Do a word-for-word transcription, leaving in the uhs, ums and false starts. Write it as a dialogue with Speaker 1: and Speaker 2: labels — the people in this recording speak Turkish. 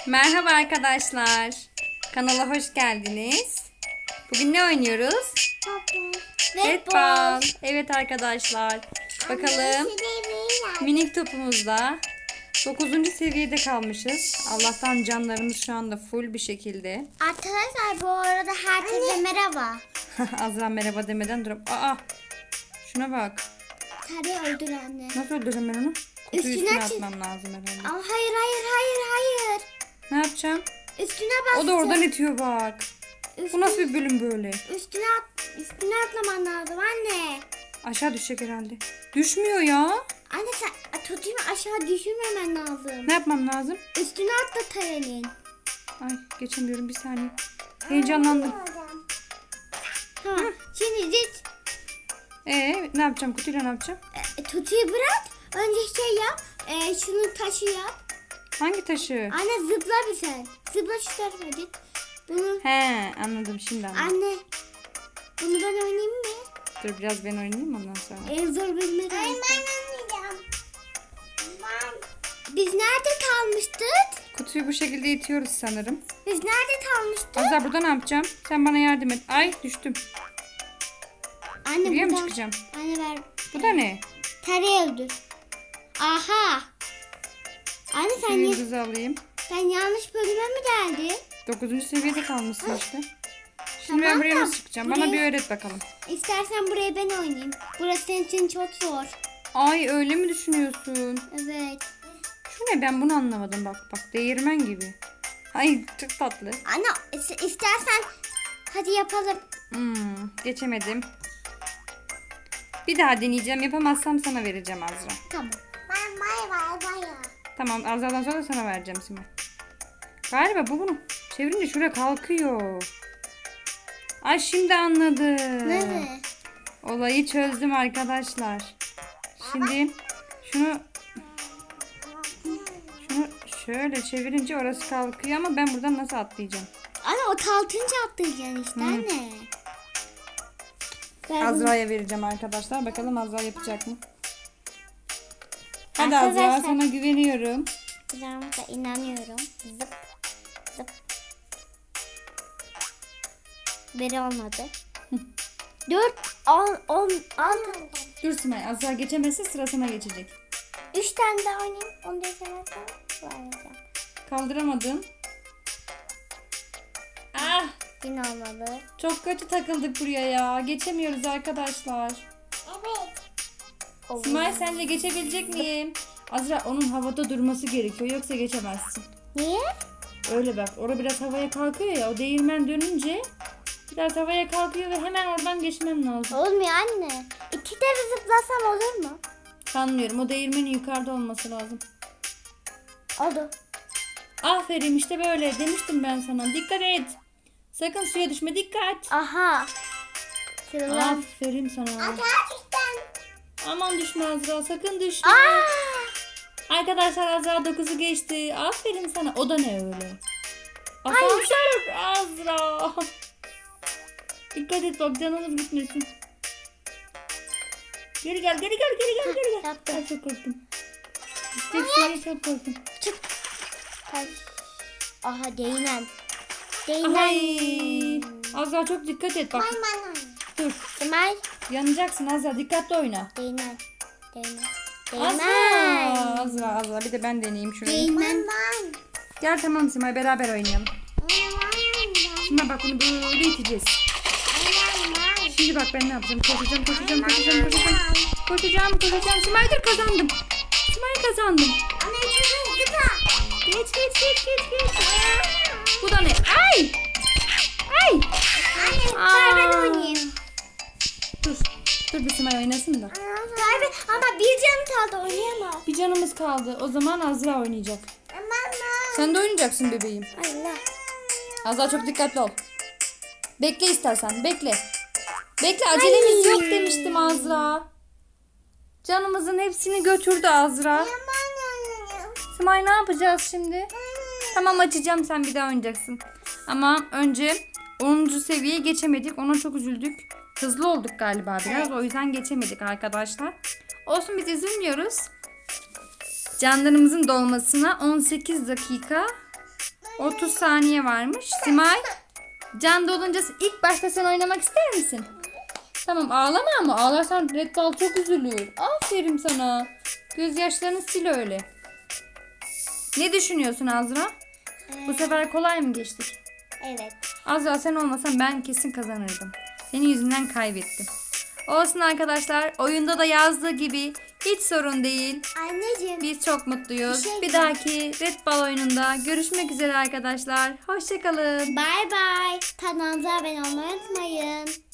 Speaker 1: Merhaba arkadaşlar. Kanala hoş geldiniz. Bugün ne oynuyoruz? Futbol. Evet arkadaşlar. Bakalım. Minik topumuzda dokuzuncu seviyede kalmışız. Allah'tan canlarımız şu anda full bir şekilde.
Speaker 2: Arkadaşlar bu arada herkese merhaba.
Speaker 1: Azra merhaba demeden durup. Aa. Şuna bak.
Speaker 2: Tabii öldür anne.
Speaker 1: Nasıl öldüreceğim ben onu? Kutuyu
Speaker 2: Üstüne
Speaker 1: üstüne
Speaker 2: çık.
Speaker 1: atmam lazım herhalde.
Speaker 2: Ama hayır hayır hayır hayır.
Speaker 1: Ne yapacağım?
Speaker 2: Üstüne bas.
Speaker 1: O da oradan itiyor bak.
Speaker 2: Üstüne,
Speaker 1: Bu nasıl bir bölüm böyle?
Speaker 2: Üstüne at, üstüne atlaman lazım anne.
Speaker 1: Aşağı düşecek herhalde. Düşmüyor ya.
Speaker 2: Anne sen tutayım aşağı düşürmemen lazım.
Speaker 1: Ne yapmam lazım?
Speaker 2: Üstüne atla tarenin.
Speaker 1: Ay geçemiyorum bir saniye. Heyecanlandım.
Speaker 2: Tamam. Şimdi git.
Speaker 1: Ee ne yapacağım? Kutuyla ne yapacağım?
Speaker 2: E, tutuyu bırak. Önce şey yap. E, şunu taşı yap.
Speaker 1: Hangi taşı?
Speaker 2: Anne zıpla bir sen. Zıpla şu tarafa git. Bunu
Speaker 1: He anladım şimdi anladım.
Speaker 2: anne. Bunu ben oynayayım mı?
Speaker 1: Dur biraz ben oynayayım ondan sonra.
Speaker 2: En zor bölüme geldik. Ben oynayacağım. Biz nerede kalmıştık?
Speaker 1: Kutuyu bu şekilde itiyoruz sanırım.
Speaker 2: Biz nerede kalmıştık?
Speaker 1: Azra burada ne yapacağım? Sen bana yardım et. Ay düştüm.
Speaker 2: Anne
Speaker 1: Buraya mı
Speaker 2: buradan-
Speaker 1: çıkacağım?
Speaker 2: Anne ver.
Speaker 1: Bu da ne?
Speaker 2: Tereyi öldür. Aha. Anne sen,
Speaker 1: Şu
Speaker 2: ya-
Speaker 1: yıldızı alayım.
Speaker 2: sen yanlış bölüme mi geldin?
Speaker 1: Dokuzuncu seviyede kalmışsın işte. Şimdi ben
Speaker 2: Tamam
Speaker 1: buraya
Speaker 2: da
Speaker 1: nasıl çıkacağım? Bana
Speaker 2: buraya-
Speaker 1: bir öğret bakalım.
Speaker 2: İstersen buraya ben oynayayım. Burası senin için çok zor.
Speaker 1: Ay öyle mi düşünüyorsun?
Speaker 2: Evet.
Speaker 1: Şu ne ben bunu anlamadım bak bak değirmen gibi. Ay çok tatlı.
Speaker 2: Anne is- istersen hadi yapalım.
Speaker 1: Hmm, geçemedim. Bir daha deneyeceğim. Yapamazsam sana vereceğim Azra.
Speaker 2: Tamam. Ben bay bay bay.
Speaker 1: Tamam Azra'dan sonra sana vereceğim Simay. Galiba bu bunu çevirince şuraya kalkıyor. Ay şimdi anladım.
Speaker 2: Ne?
Speaker 1: Olayı çözdüm arkadaşlar. Şimdi şunu şunu şöyle çevirince orası kalkıyor ama ben buradan nasıl atlayacağım?
Speaker 2: Anne o kalkınca atlayacaksın işte
Speaker 1: Hı.
Speaker 2: anne. Ben bunu-
Speaker 1: Azra'ya vereceğim arkadaşlar. Bakalım Azra yapacak mı? Hadi Azra
Speaker 2: Arkadaşlar-
Speaker 1: sana güveniyorum.
Speaker 2: Ben da inanıyorum. Zıp zıp. Biri olmadı. Dört, on, on, altı.
Speaker 1: Dur Simay Azra geçemezse sıra sana geçecek.
Speaker 2: Üç tane daha oynayayım. Onu da izlemezsen vereceğim.
Speaker 1: Kaldıramadın. Ah
Speaker 2: Yine olmadı.
Speaker 1: çok kötü takıldık buraya ya. Geçemiyoruz arkadaşlar.
Speaker 2: Evet.
Speaker 1: Simay sence geçebilecek miyim? Azra onun havada durması gerekiyor yoksa geçemezsin.
Speaker 2: Niye?
Speaker 1: Öyle bak orada biraz havaya kalkıyor ya o değirmen dönünce biraz havaya kalkıyor ve hemen oradan geçmen lazım.
Speaker 2: Olmuyor anne. İki kere zıplasam olur mu?
Speaker 1: Sanmıyorum o değirmenin yukarıda olması lazım.
Speaker 2: Oldu.
Speaker 1: Aferin işte böyle demiştim ben sana dikkat et. Sakın suya düşme dikkat.
Speaker 2: Aha. Sıralan.
Speaker 1: Aferin sana.
Speaker 2: Gerçekten.
Speaker 1: Aman düşme Azra sakın düşme.
Speaker 2: Aa!
Speaker 1: Arkadaşlar Azra dokuzu geçti. Aferin sana. O da ne öyle? Asansör Azra. Dikkat et bak canımız gitmesin. Geri gel geri gel geri gel geri gel.
Speaker 2: Yaptım.
Speaker 1: Ay çok korktum. Tek şeyi çok korktum.
Speaker 2: Çık. Ay. Aha değinen. Değinen.
Speaker 1: Ay. Azra çok dikkat et bak. Dur.
Speaker 2: Smile.
Speaker 1: Yanacaksın Azra dikkatli oyna.
Speaker 2: Değinen. Değinen.
Speaker 1: Azra.
Speaker 2: Değinen.
Speaker 1: Azra Azra bir de ben deneyeyim şurayı.
Speaker 2: Değinen.
Speaker 1: Gel tamam Simay beraber oynayalım. Simay bak bunu böyle iteceğiz. Şimdi bak ben ne yapacağım? Koşacağım, koşacağım, koşacağım, koşacağım. Koşacağım, koşacağım. Simay dur kazandım. Simay kazandım. Geç, geç, geç, geç, geç. Bu da ne? Ay! Ay!
Speaker 2: Anne, ben
Speaker 1: Aa.
Speaker 2: oynayayım.
Speaker 1: Dur. Dur bir Simay oynasın da.
Speaker 2: Tabii ama bir canım kaldı oynayamam.
Speaker 1: Bir canımız kaldı. O zaman Azra oynayacak. Sen de oynayacaksın bebeğim.
Speaker 2: Allah.
Speaker 1: Azra çok dikkatli ol. Bekle istersen. Bekle. Bekle acelemiz yok demiştim Azra. Canımızın hepsini götürdü Azra. Simay ne yapacağız şimdi? Tamam açacağım sen bir daha oynayacaksın. Ama önce onuncu seviyeye geçemedik. Ona çok üzüldük. Hızlı olduk galiba biraz. O yüzden geçemedik arkadaşlar. Olsun biz üzülmüyoruz. Canlarımızın dolmasına on sekiz dakika otuz saniye varmış. Simay, can dolunca ilk başta sen oynamak ister misin? Tamam, ağlama ama ağlarsan Red Ball çok üzülür. Aferin sana. Gözyaşlarını sil öyle. Ne düşünüyorsun Azra? Bu sefer kolay mı geçtik?
Speaker 2: Evet.
Speaker 1: Azra, sen olmasan ben kesin kazanırdım. Senin yüzünden kaybettim. Olsun arkadaşlar, oyunda da yazdığı gibi hiç sorun değil.
Speaker 2: Anneciğim.
Speaker 1: Biz çok mutluyuz.
Speaker 2: Bir şey
Speaker 1: Bir dahaki Red Ball oyununda görüşmek üzere arkadaşlar. Hoşçakalın.
Speaker 2: Bye bye. Kanalımıza abone olmayı unutmayın.